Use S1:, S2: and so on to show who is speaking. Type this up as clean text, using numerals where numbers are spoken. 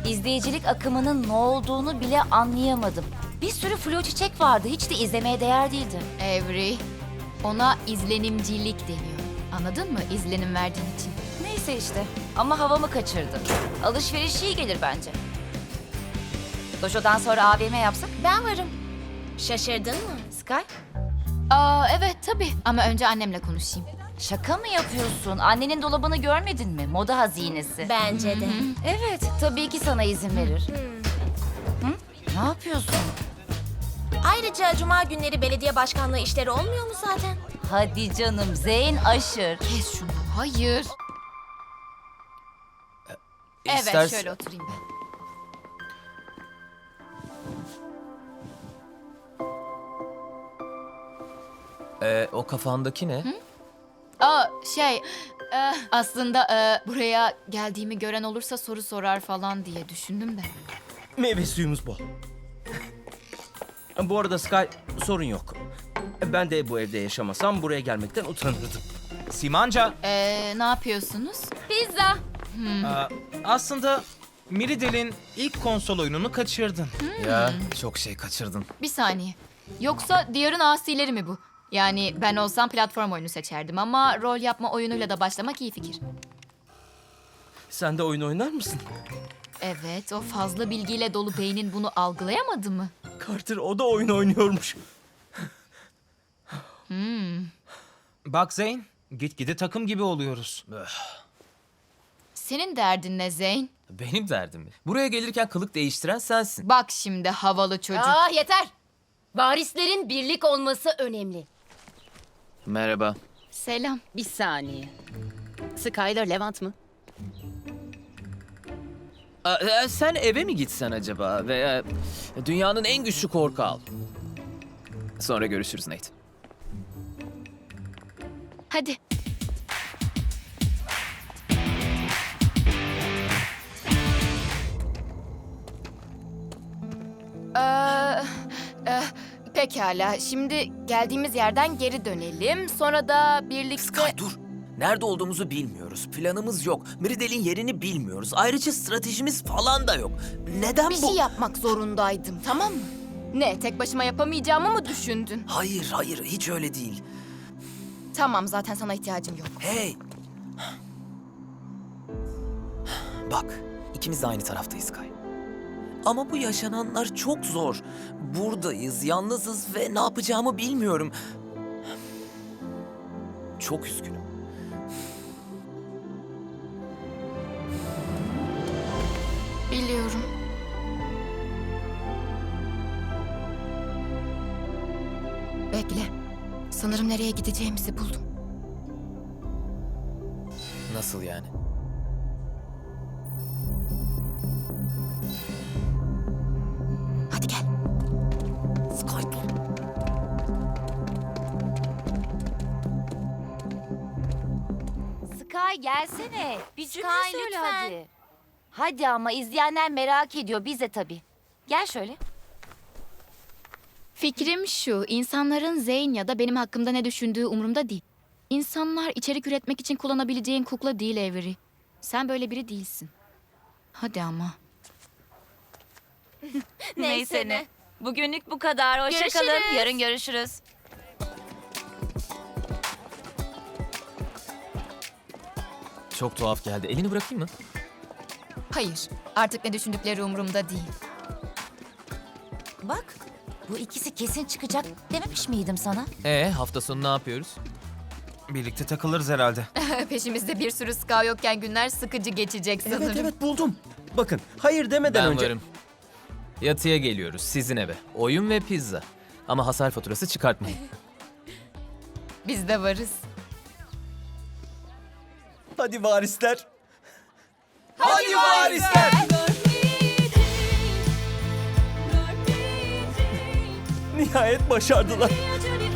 S1: İzleyicilik akımının ne olduğunu bile anlayamadım. Bir sürü flu çiçek vardı. Hiç de izlemeye değer değildi.
S2: Avery, ona izlenimcilik deniyor. Anladın mı? İzlenim verdiğin için.
S1: Neyse işte. Ama havamı kaçırdım. Alışveriş iyi gelir bence. Dojo'dan sonra AVM yapsak?
S3: Ben varım. Şaşırdın mı?
S1: Sky?
S2: Evet tabii. Ama önce annemle konuşayım.
S1: Şaka mı yapıyorsun? Annenin dolabını görmedin mi? Moda hazinesi.
S3: Bence de.
S1: Evet, tabii ki sana izin verir. Hı? Ne yapıyorsun?
S3: Ayrıca cuma günleri belediye başkanlığı işleri olmuyor mu zaten?
S1: Hadi canım, Zeyn aşır.
S2: Kes şunu. Hayır. Evet,
S4: İstersen-
S2: şöyle oturayım ben.
S4: O kafandaki ne?
S2: Aslında buraya geldiğimi gören olursa soru sorar falan diye düşündüm de.
S5: Meyve suyumuz bol. Bu arada Sky, sorun yok. Ben de bu evde yaşamasam buraya gelmekten utanırdım.
S6: Simanca,
S2: Ne yapıyorsunuz?
S3: Pizza.
S6: aslında Miridel'in ilk konsol oyununu kaçırdın.
S4: Ya çok şey kaçırdın.
S2: Bir saniye. Yoksa Diyar'ın asileri mi bu? Yani ben olsam platform oyunu seçerdim ama rol yapma oyunuyla da başlamak iyi fikir.
S5: Sen de oyun oynar mısın?
S2: Evet, o fazla bilgiyle dolu beynin bunu algılayamadı mı?
S5: Carter, o da oyun oynuyormuş.
S6: Bak Zeyn, gitgide takım gibi oluyoruz.
S2: Senin derdin ne Zeyn?
S4: Benim derdim mi? Buraya gelirken kılık değiştiren sensin.
S2: Bak şimdi havalı çocuk.
S7: Yeter. Varislerin birlik olması önemli.
S4: Merhaba.
S2: Selam.
S7: Bir saniye. Skyler Levant mı?
S4: Sen eve mi gitsen acaba? Veya dünyanın en güçlü korku al. Sonra görüşürüz Nate.
S2: Hadi. Pekala. Şimdi geldiğimiz yerden geri dönelim. Sonra da birlikte...
S4: Sky dur. Nerede olduğumuzu bilmiyoruz. Planımız yok. Miridel'in yerini bilmiyoruz. Ayrıca stratejimiz falan da yok. Neden
S2: Bir
S4: bu?
S2: şey yapmak zorundaydım, tamam mı? Ne, tek başıma yapamayacağımı mı düşündün?
S4: Hayır, hiç öyle değil.
S2: Tamam, zaten sana ihtiyacım yok.
S4: Hey! Bak, ikimiz de aynı taraftayız Kay. Ama bu yaşananlar çok zor. Buradayız, yalnızız ve ne yapacağımı bilmiyorum. Çok üzgünüm.
S2: Biliyorum. Bekle. Sanırım nereye gideceğimizi buldum.
S4: Nasıl yani?
S2: Hadi gel.
S4: Sky dur.
S1: Sky gelsene. Bir cümle
S3: Sky,
S1: söyle
S3: lütfen.
S1: hadi. Hadi ama izleyenler merak ediyor. Biz de tabii. Gel şöyle.
S2: Fikrim şu, insanların Zeyn ya da benim hakkımda ne düşündüğü umurumda değil. İnsanlar içerik üretmek için kullanabileceğin kukla değil Avery. Sen böyle biri değilsin. Hadi ama.
S3: Neyse ne.
S1: Bugünlük bu kadar. Hoşça kalın.
S3: Görüşürüz.
S1: Yarın görüşürüz.
S4: Çok tuhaf geldi. Elini bırakayım mı?
S2: Hayır, artık ne düşündükleri umurumda değil.
S1: Bak, bu ikisi kesin çıkacak dememiş miydim sana?
S4: Hafta sonu ne yapıyoruz?
S6: Birlikte takılırız herhalde.
S2: Peşimizde bir sürü ska yokken günler sıkıcı geçecek sanırım.
S5: Evet buldum. Bakın, hayır demeden
S4: Ben
S5: önce...
S4: varım. Yatıya geliyoruz sizin eve. Oyun ve pizza. Ama hasar faturası çıkartmayın.
S2: Biz de varız.
S5: Hadi varisler.
S4: Hadi varisler!
S5: Nihayet başardılar.